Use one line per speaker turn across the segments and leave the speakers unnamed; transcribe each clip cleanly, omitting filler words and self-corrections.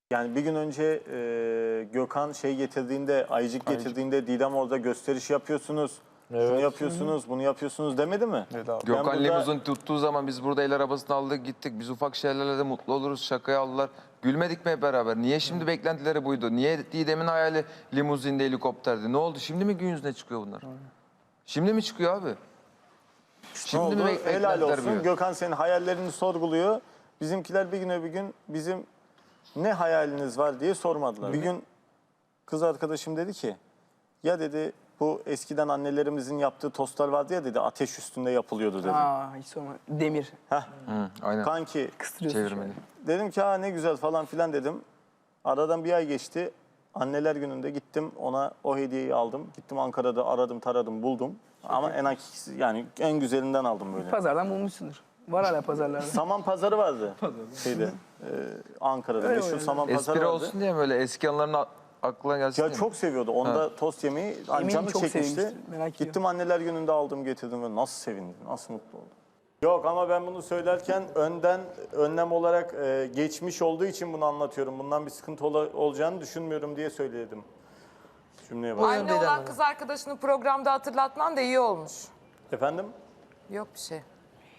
Yani bir gün önce Gökhan şey getirdiğinde, Ayıcık getirdiğinde Didem orada gösteriş yapıyorsunuz. Evet. Şunu yapıyorsunuz, bunu yapıyorsunuz demedi mi?
Evet abi.
Gökhan
burada...
limuzin tuttuğu zaman biz burada el arabasını aldık gittik. Biz ufak şeylerle de mutlu oluruz. Şakaya aldılar. Gülmedik mi hep beraber? Niye şimdi beklentileri buydu? Niye Didem'in hayali limuzinde, helikopterdi? Ne oldu? Şimdi mi gün yüzüne çıkıyor bunlar? Şimdi mi çıkıyor abi? Şimdi mi
Helal olsun.
buyuyor?
Gökhan senin hayallerini sorguluyor. Bizimkiler bir gün bizim ne hayaliniz var diye sormadılar. Bir gün kız arkadaşım dedi ki, ya dedi bu eskiden annelerimizin yaptığı tostlar vardı ya dedi, ateş üstünde yapılıyordu dedi.
Hiç sorma. Demir.
Aynen.
Kanki
Çevirmeli.
dedim ki ne güzel falan filan dedim. Aradan bir ay geçti. Anneler gününde gittim ona o hediyeyi aldım. Gittim Ankara'da aradım taradım buldum. Ama en güzelinden aldım böyle.
Pazardan bulmuşsundur. Var hala pazarlarda.
Saman pazarı vardı şeyde Ankara'da
Öyle
meşhur
öyle.
saman pazarı
Espri
vardı.
olsun diye böyle eski anılarına aklına gelsin
Ya
diye mi?
çok seviyordu. Onda tost yemeği
Eminim
canı
çok
çekmişti.
sevmiştir, merak ediyorum.
Gittim anneler gününde aldım getirdim ve nasıl sevindi, nasıl mutlu oldu. Yok ama ben bunu söylerken önlem olarak geçmiş olduğu için bunu anlatıyorum. Bundan bir sıkıntı olacağını düşünmüyorum diye söyledim. Cümleye bak.
Anne olan kız arkadaşını programda hatırlatman da iyi olmuş.
Efendim?
Yok bir şey.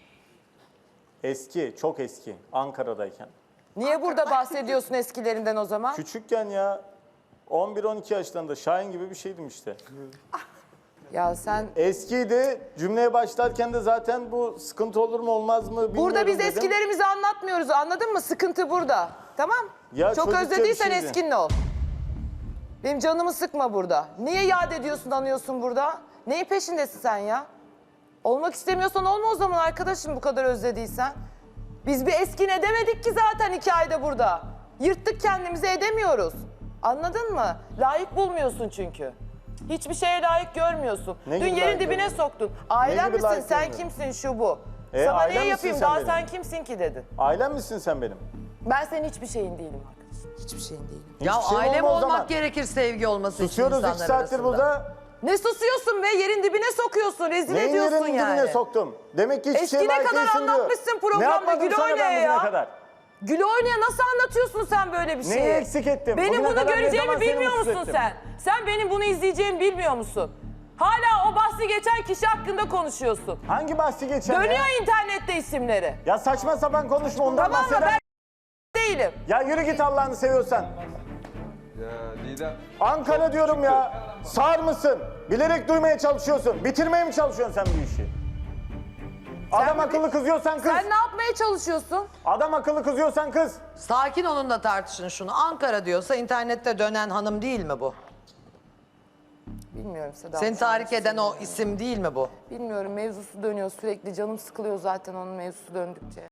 Eski, çok eski. Ankara'dayken.
Niye burada bahsediyorsun eskilerinden o zaman?
Küçükken ya 11-12 yaşlarında Şahin gibi bir şeydim işte.
Ya sen...
Eskiydi. Cümleye başlarken de zaten bu sıkıntı olur mu olmaz mı bilmiyorum
Burada biz
dedim.
eskilerimizi anlatmıyoruz, anladın mı? Sıkıntı burada. Tamam?
Ya
Çok
çocukça bir
özlediysen
şeydi.
eskinle ol. Benim canımı sıkma burada. Niye yad ediyorsun, anıyorsun burada? Neyin peşindesin sen ya? Olmak istemiyorsan olma o zaman arkadaşım, bu kadar özlediysen. Biz bir eskin edemedik ki zaten 2 ayda burada. Yırttık kendimizi, edemiyoruz. Anladın mı? Layık bulmuyorsun çünkü. Hiçbir şeye layık görmüyorsun.
Ne
Dün
gibi
yerin
layık
dibine
görmüyorum?
soktun. Ailem
gibi
misin,
layık
sen
görmüyorum?
kimsin, şu bu. Sana
ailem
ne
misin
yapayım,
sen
daha
benim?
sen kimsin ki dedin.
Ailem misin sen benim?
Ben senin hiçbir şeyin değilim arkadaşım. Hiçbir şeyin değilim.
Ya
Hiçbir şeyim
ailem
olma o
olmak
zaman.
gerekir sevgi olması
Susuyoruz
için
2
insanlar
saattir
arasında.
burada.
Ne susuyorsun be? Yerin dibine sokuyorsun, rezil
Neyin
ediyorsun
yerin
yani.
dibine soktum? Demek ki hiçbir şeye
Eskine
layık
kadar
değilsin diyor.
anlatmışsın programda,
Ne yapmadım
Gül
sana
oynaya
ben bugüne
ya.
kadar?
Gül oynaya nasıl anlatıyorsun sen böyle bir şeyi?
Neyi eksik ettim?
Benim
Bugüne
bunu
kadar ne
göreceğimi
zaman seni
bilmiyor
mutsuz
musun
ettim?
sen? Sen benim bunu izleyeceğimi bilmiyor musun? Hala o bahsi geçen kişi hakkında konuşuyorsun.
Hangi bahsi geçen ya?
Dönüyor internette isimleri.
Ya saçma sapan konuşma ondan
Tamam mı?
bahseder.
Ben değilim.
Ya yürü git Allah'ını seviyorsan.
Ya Didem.
Ankara diyorum ya. Sağır mısın? Bilerek duymaya çalışıyorsun. Bitirmeye mi çalışıyorsun sen bu işi? Adam akıllı kızıyorsan kız.
Sen ne yapmaya çalışıyorsun?
Adam akıllı kızıyorsan kız.
Sakin olun da tartışın şunu. Ankara diyorsa internette dönen hanım değil mi bu?
Bilmiyorum Seda.
Seni tahrik eden o isim değil mi bu?
Bilmiyorum, mevzusu dönüyor sürekli. Canım sıkılıyor zaten onun mevzusu döndükçe.